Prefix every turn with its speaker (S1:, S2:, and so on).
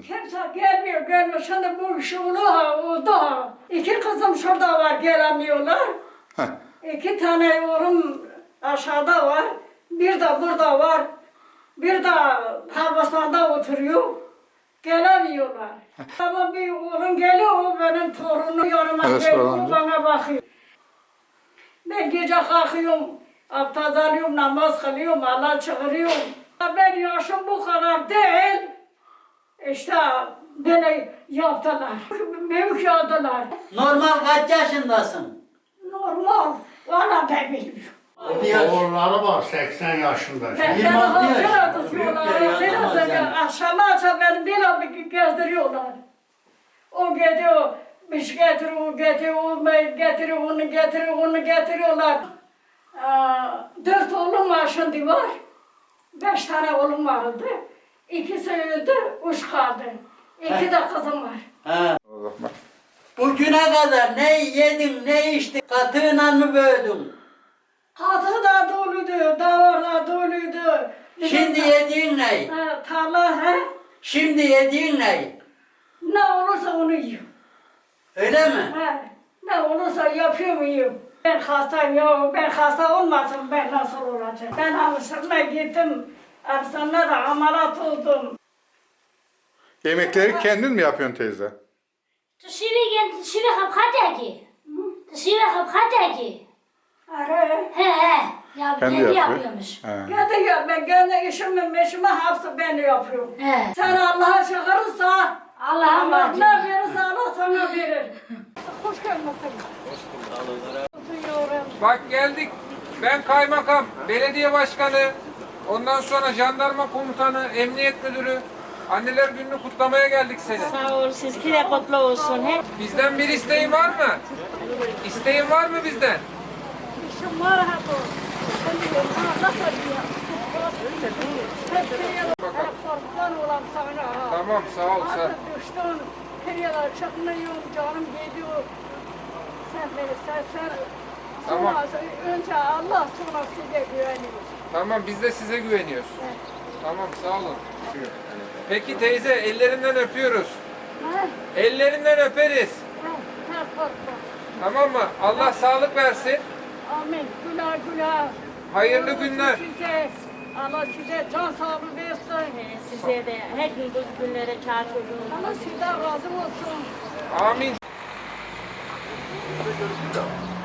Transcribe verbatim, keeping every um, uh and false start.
S1: Kimse gelmiyor, gelmiyor. Şimdi bu iş oldu ha, oldu ha. İki kızım şurada var, gelemiyorlar.
S2: Heh.
S1: İki tane oğlum aşağıda var. Bir de burada var. Bir de Pavaslar'da oturuyor. Gelemiyorlar. Ama bir oğlum geliyor, o benim torunum yanıma
S2: Evet,
S1: geliyor,
S2: sorun
S1: o bana bakıyor. Ben gece kalkıyorum, abdest alıyorum, namaz kılıyorum, Allah çağırıyorum. Ben yaşım bu kadar değil. İşte böyle yaptılar, mevki aldılar.
S3: Normal kaç yaşındasın?
S1: Normal, valla ben bilmiyorum.
S4: Oğulları var seksen yaşında.
S1: Ben
S3: yirmi altı yaş.
S1: böyle tutuyorlar, böyle tutuyorlar. Akşama akşam beni böyle bir gezdiriyorlar. O gidiyor, bir şey getiriyor, o getiriyor, o getiriyor, onu getiriyor, onu getiriyorlar. Aa, dört oğlum var şimdi var. Beş tane oğlum vardı. İkisi öldü, üç kaldı. İki de kızım var.
S3: Ha. Bugüne kadar ne yedin, ne içtin, katığına mı böldün?
S1: Katı da doluydu, davar da doluydu.
S3: Şimdi yediğin ne?
S1: Ha, tarla he?
S3: Şimdi yediğin ne?
S1: Ne olursa onu yiyor.
S3: Öyle mi?
S1: He, ne olursa yapıyorum yiyorum. Ben hastayım ya, ben hasta olmasam ben nasıl olacağım? Ben Amsterdam'a gittim, Amsterdam'da da ameliyat oldum.
S2: Yemekleri kendin mi yapıyorsun teyze?
S5: تشيلي تشيلي خب خداكي تشيلي خب خداكي
S1: Ara,
S5: he he ya
S2: Kendi
S5: kendi
S2: yapıyor.
S5: yapıyormuş.
S2: He.
S1: kendi yap, ben kendi işimi, meşimi hepsi ben yapıyorum.
S5: He.
S1: Sen Allah'a çağırırsa,
S5: Allah'a
S1: Allah
S5: emanet.
S1: ne verirse Allah sana verir. Hoş gelmesin. Oturuyorum.
S6: Bak geldik. Ben kaymakam, belediye başkanı, ondan sonra jandarma komutanı, emniyet müdürü. Anneler gününü kutlamaya geldik seni.
S5: Sağ ol, sizinki de kutlu olsun. He.
S6: Bizden bir isteğin var mı? İsteğin var mı bizden?
S1: İşim var ha bu. Allah veriyor. Hep korkudan olan sana ha.
S6: Tamam, sağ ol sen.
S1: Artık düştün, kırıyorlar, çıkmıyorum, canım geliyor. Sen beni, sen, sen.
S6: Tamam.
S1: Sonra, önce Allah, sonra size güveniyor.
S6: Tamam, biz de size güveniyoruz. Tamam, sağ olun. Peki teyze, ellerinden öpüyoruz.
S1: Ha?
S6: Ellerinden öperiz.
S1: Ha, ha, korkma.
S6: Tamam mı? Allah sağlık versin.
S1: Amin. Güler güler.
S6: Hayırlı günler.
S1: Size, Allah size can sağlığı versin.
S5: Size de her gün bu günlere çağırıyorum.
S1: Allah sizden razı olsun.
S6: Amin.